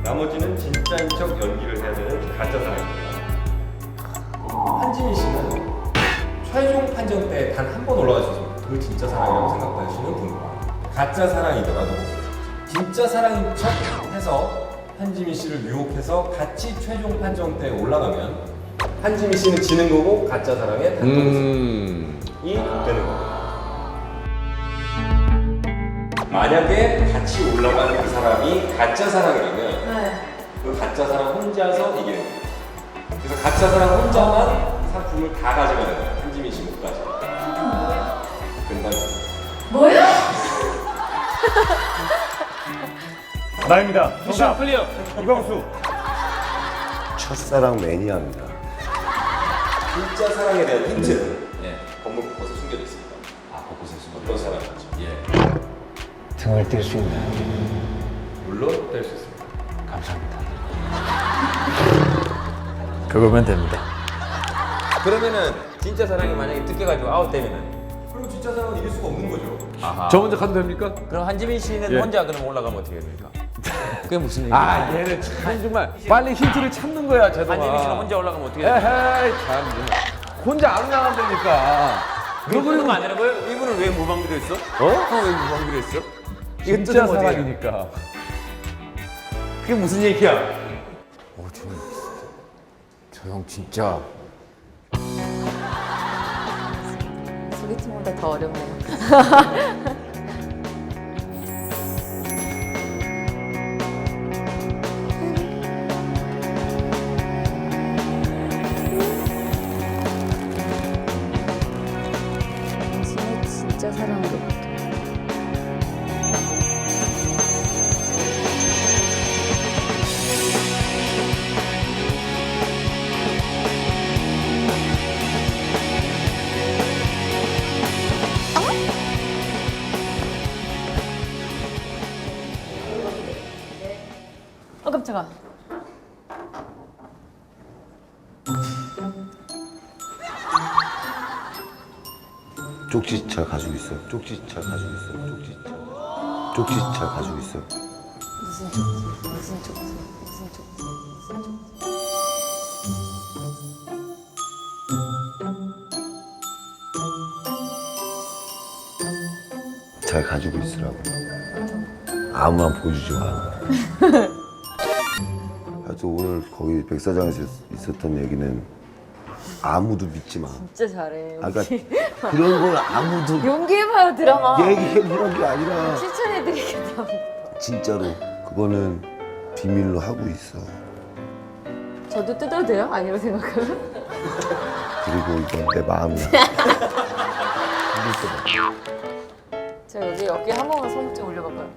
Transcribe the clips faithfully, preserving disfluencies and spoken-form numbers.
나머지는 진짜인 척 연기를 해야 되는 가짜 사랑입니다. 한지민 씨는 최종 판정 때 단 한 번 올라가셔서 그 진짜 사랑이라고 생각하시는 분과 가짜 사랑이더라도 진짜 사랑인 척 해서 한지민 씨를 유혹해서 같이 최종 판정 때 올라가면 한지민 씨는 지는 거고 가짜 사랑의 단독 음. 이 되는 겁니다. 만약에 같이 올라가는 그 사람이 가짜 사랑이라면 네. 그 가짜 사람 혼자서 이기는 거예요. 그래서 가짜 사람 혼자만 상품을 다 가져가는 거예요. 한지민 씨 못 가져. 금방. 뭐야? 나입니다. 미션 클리어. 이광수. 첫사랑 매니아입니다. 진짜 사랑에 대한 힌트는 예. 건물 곳곳에 숨겨져 있습니다. 아, 곳곳에 숨어. 어떤 사람이죠? 예. 등을 뗄 수 있나요? 물론 뗄 수 있습니다. 감사합니다. 그거면 됩니다. 그러면은 진짜 사랑이 만약에 뜯겨가지고 아웃되면은 그럼 진짜 사랑은 이길 수가 없는 거죠. 아하. 저 먼저 가도 됩니까? 그럼 한지민 씨는 예. 혼자 그럼 올라가면 어떻게 됩니까? 그게 무슨 얘기야? 아, 얘는 참 정말 빨리 힌트를 찾는 거야, 제동아. 한지민 씨는 혼자 올라가면 어떻게 됩니까? 에헤이, 참. 정말. 혼자 안 올라간다니까. 너 그러면 안 되는 거예요? 이분은 왜 무방비로 했어? 어? 형왜 무방비로 했어? 이거 진짜 뜯으면 어떻게 해요? 사랑이니까. 그게 무슨 얘기야? 어, 저 형 진짜 소개팅보다 더 어렵네요. 당신의 진짜 사랑으로부터. 어 깜짝아. 쪽지 잘 가지고 있어요. 쪽지 잘 가지고 있어요. 쪽지 잘. 쪽지 잘 가지고 있어요. 무슨 쪽지? 무슨 쪽지? 무슨 쪽지? 무슨 쪽지? 잘 가지고 있으라고. 아무나 보여주지 마. 하여튼 오늘 거기 백사장에서 있었던 얘기는 아무도 믿지 마. 진짜 잘해. 아까 그런 걸 아무도 용기해봐요 드라마. 얘기해보는 게 아니라 추천해드리겠다. 진짜로 그거는 비밀로 하고 있어. 저도 뜯어도 돼요? 아니라고 생각하면? 그리고 이건 내 마음이야. 자 여기 어깨 한 번만 손 좀 올려봐봐요.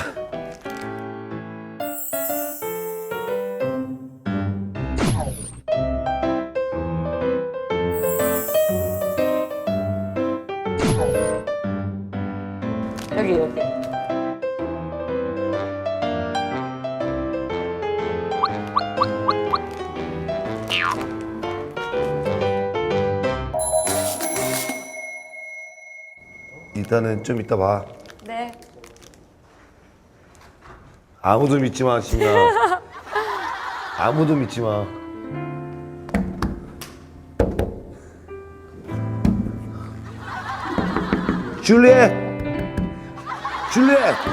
여기 여기. 일단은 좀 이따 봐. 네. 아무도 믿지 마, 지민아. 아무도 믿지 마. 줄리엣! 줄리엣!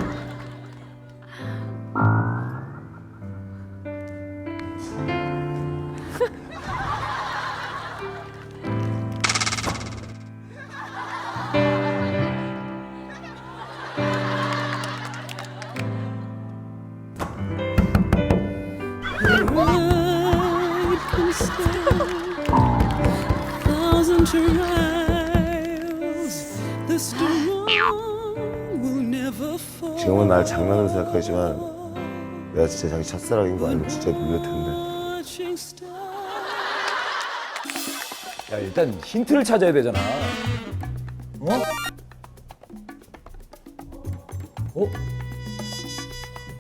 Thousand trials, the storm will never fall. 지금은 날 장난으로 생각하지만 내가 진짜 자기 첫사랑인 거 알면 진짜 놀랄 텐데. Watching stars. 야, 일단 힌트를 찾아야 되잖아. 어? 어?